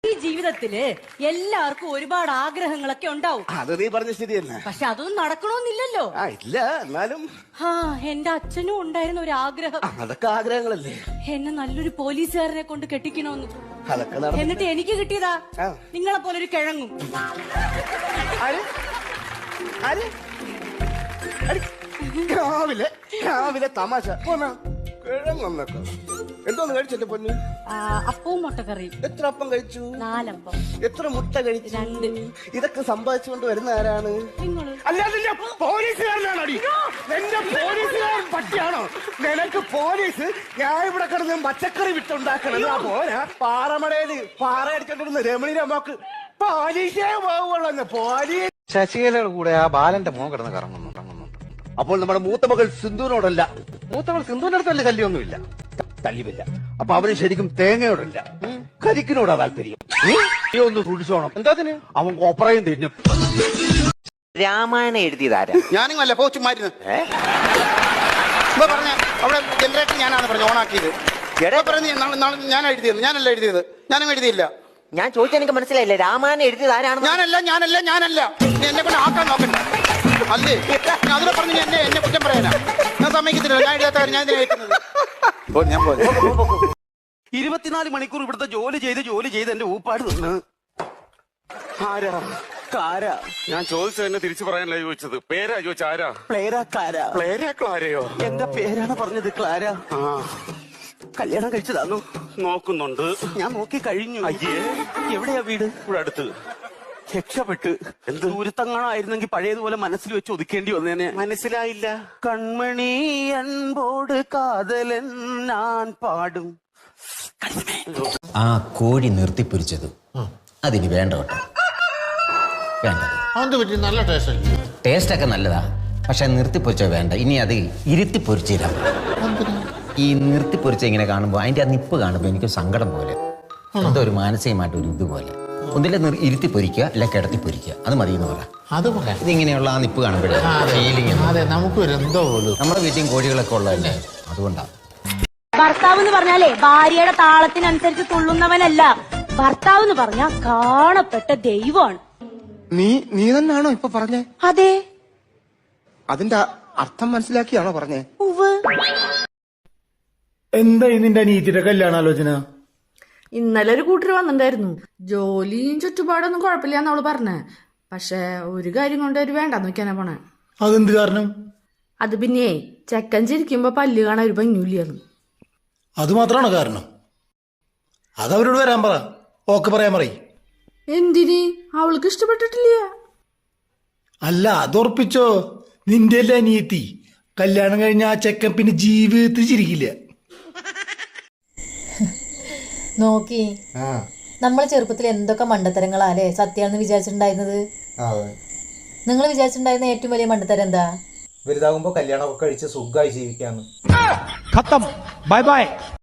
ഈ ജീവിതത്തില് എല്ലാവർക്കും ഒരുപാട് ആഗ്രഹങ്ങളൊക്കെ ഉണ്ടാവും. അത് നീ പറഞ്ഞ ശരി തന്നെ. പക്ഷെ അതൊന്നും നടക്കണമെന്നില്ലല്ലോ. ഇല്ല, എന്നാലും എന്റെ അച്ഛനും ഉണ്ടായിരുന്ന ഒരു ആഗ്രഹം. അതൊക്കെ ആഗ്രഹങ്ങളല്ലേ. എന്നെ നല്ലൊരു പോലീസുകാരനെ കൊണ്ട് കെട്ടിക്കണോന്ന്. അതൊക്കെ എന്നിട്ട് എനിക്ക് കിട്ടിയതാ നിങ്ങളെ പോലെ ഒരു കിഴങ്ങും. രാവിലെ തമാശ കിഴങ്ങൊന്നൊക്കെ എന്തോന്ന് കഴിച്ചെന്റെ പൊന്നു? അപ്പവും മുട്ടക്കറിയും. എത്ര അപ്പം കഴിച്ചു? 4 അപ്പം. എത്ര മുട്ട കഴിച്ചു? 2. ഇതൊക്കെ സമ്പാദിച്ചുകൊണ്ട് വരുന്ന ആരാണ്? അല്ലാതെ പോലീസുകാരനാണോ? എന്റെ പോലീസുകാരൻ പട്ടിയാണോ നിനക്ക്? പോലീസ് ഞാൻ ഇവിടെ കിടന്ന് പച്ചക്കറി വിട്ടുണ്ടാക്കണം. പോരാ പാറമടയില് പാറ അടിച്ചോണ്ടിരുന്ന രമണി രമോക്ക് പോലീസേ പോവുള്ളൂ. പോലീസ് ശശികലയുടെ കൂടെ ആ ബാലന്റെ മോൻ കിടന്ന് കറങ്ങുന്നു. അപ്പോൾ നമ്മുടെ മൂത്ത മകൾ സിന്ധുവിനോടല്ല, മൂത്തവൾ സിന്ധുവിന്റെ അടുത്തല്ല ശല്യമൊന്നുമില്ല, തല്ലിവില്ല. അപ്പൊ അവന് ശരിക്കും തേങ്ങയോടല്ല കരിക്കിനോടാ താല്പര്യം. നീ ഒന്ന് സൂക്ഷിച്ചോണം. എന്താത്തിന്? അവൻ കോപ്പറയും തിന്നും. രാമായണം എഴുതിയതാരാ? ഞാനും അല്ല പോച്ചുമായിരുന്നു പറഞ്ഞ അവിടെ ജനറേറ്റർ ഞാനാണ് പറഞ്ഞു ഓണാക്കിയത്. പറഞ്ഞു ഞാൻ എഴുതിയത്. ഞാനല്ല എഴുതിയത്, ഞാനും എഴുതിയില്ല. ഞാൻ ചോദിച്ചാൽ എനിക്ക് മനസ്സിലായില്ല. രാമായണം എഴുതിയത് ആരാണ്? ഞാനല്ല എന്നെ കൊണ്ട് ആക്കാൻ നോക്കണ്ട. അല്ലേ അതിനെ പറഞ്ഞു എന്നെ കുറ്റം പറയാനാ? ഞാൻ സമ്മതിക്കത്തില്ല. ഞാൻ എഴുതാത്ത കാര്യം ഞാൻ ഞാൻ 24 മണിക്കൂർ ഇവിടുത്തെ ജോലി ചെയ്ത് എന്റെ ഊപ്പാട് നിന്ന്. ആരാ? ഞാൻ ചോദിച്ചത് എന്നെ തിരിച്ചു പറയാനല്ല ചോദിച്ചത്. പേരാ ചോദിച്ച ആരാ? ക്ലാര ക്ലാരയോ? എന്റെ പേരാണ് പറഞ്ഞത്. ക്ലാര കല്യാണം കഴിച്ചതാണോ? നോക്കുന്നുണ്ട്. ഞാൻ നോക്കി കഴിഞ്ഞു. അയ്യേ, എവിടെയാ വീട്? ഇവിടെ അടുത്ത്. രക്ഷപ്പെട്ട്. എന്ത് ദൂരത്തങ്ങാണായിരുന്നെങ്കിൽ പഴയതുപോലെ മനസ്സിൽ വെച്ച് ഒതുക്കേണ്ടി വന്നേനെ. മനസ്സിലായില്ല. കൺമണി അൻപോട് കാതലൻ ഞാൻ പാടും. ആ കോഴി നിർത്തിപ്പൊരിച്ചത് അതിന് വേണ്ട കേട്ടോ. വേണ്ട. നല്ല ടേസ്റ്റ്. ടേസ്റ്റൊക്കെ നല്ലതാ, പക്ഷെ നിർത്തിപ്പൊരിച്ച വേണ്ട. ഇനി അത് ഇരുത്തിപ്പൊരിച്ചില്ല. ഈ നിർത്തിപ്പൊരിച്ച ഇങ്ങനെ കാണുമ്പോൾ അതിന്റെ ആ നിപ്പ് കാണുമ്പോൾ എനിക്ക് സങ്കടം പോലെ, എന്തോ ഒരു മാനസികമായിട്ട് ഒരു ഇതുപോലെ. ഒന്നിലെ ഇരുത്തി പൊരിക്കുക, അല്ല കിടത്തി പൊരിക്കുക, അത് മതി എന്ന് പറയാം. ഇതിങ്ങനെയുള്ള ആ നിപ്പ് കാണുമ്പോഴേ ഫീലിംഗ്. നമുക്ക് എന്തോ നമ്മുടെ വീട്ടിലും കോഴികളൊക്കെ ഉള്ളതല്ലേ, അതുകൊണ്ടാണ്. ഭർത്താവ് എന്ന് പറഞ്ഞാലേ ഭാര്യയുടെ താളത്തിനനുസരിച്ച് തുള്ളുന്നവനല്ല. ഭർത്താവ് എന്ന് പറഞ്ഞാൽ കാണപ്പെട്ട ദൈവമാണ്. നീ തന്നെയാണോ ഇപ്പൊ പറഞ്ഞേ? അതെ. അതിന്റെ അർത്ഥം മനസ്സിലാക്കിയാണോ പറഞ്ഞേ? എന്താ നിന്റെ അനിയത്തിയുടെ കല്യാണാലോചന? ഇന്നലെ ഒരു കൂട്ടർ വന്നിട്ടുണ്ടായിരുന്നു. ജോലിയും ചുറ്റുപാടൊന്നും കുഴപ്പമില്ലാന്ന് അവള് പറഞ്ഞേ. പക്ഷെ ഒരു കാര്യം കൊണ്ട് ഒരു വേണ്ടാന്ന് വെക്കാനാ പോണേ. അതെന്ത് കാരണം? അത് പിന്നെ ചെക്കൻ ചിരിക്കുമ്പോ പല്ല് കാണാൻ ഒരു ഭംഗിയില്ലാന്ന്. അത് മാത്രമാണോ കാരണം? അതവരോട് വരാൻ പറ, ഓക്കെ പറയാൻ പറയും. എന്തിന്? അവൾക്ക് ഇഷ്ടപ്പെട്ടിട്ടില്ല. അല്ല, അതുറപ്പിച്ചോ. നിന്റെ അല്ലേ അനിയത്തി? കല്യാണം കഴിഞ്ഞ ആ ചെക്കൻ പിന്നെ ജീവിതത്തിൽ ചിരിക്കില്ല. നോക്കി, നമ്മൾ ചെറുപ്പത്തിൽ എന്തൊക്കെ മണ്ടത്തരങ്ങളാലേ സത്യാണെന്ന് വിചാരിച്ചിട്ടുണ്ടായിരുന്നത്. നിങ്ങൾ വിചാരിച്ചിട്ടുണ്ടായിരുന്ന ഏറ്റവും വലിയ മണ്ടത്തരം എന്താ? വലുതാകുമ്പോ കല്യാണമൊക്കെ കഴിച്ച് സുഖമായി ജീവിക്കാന്ന്. Bye bye.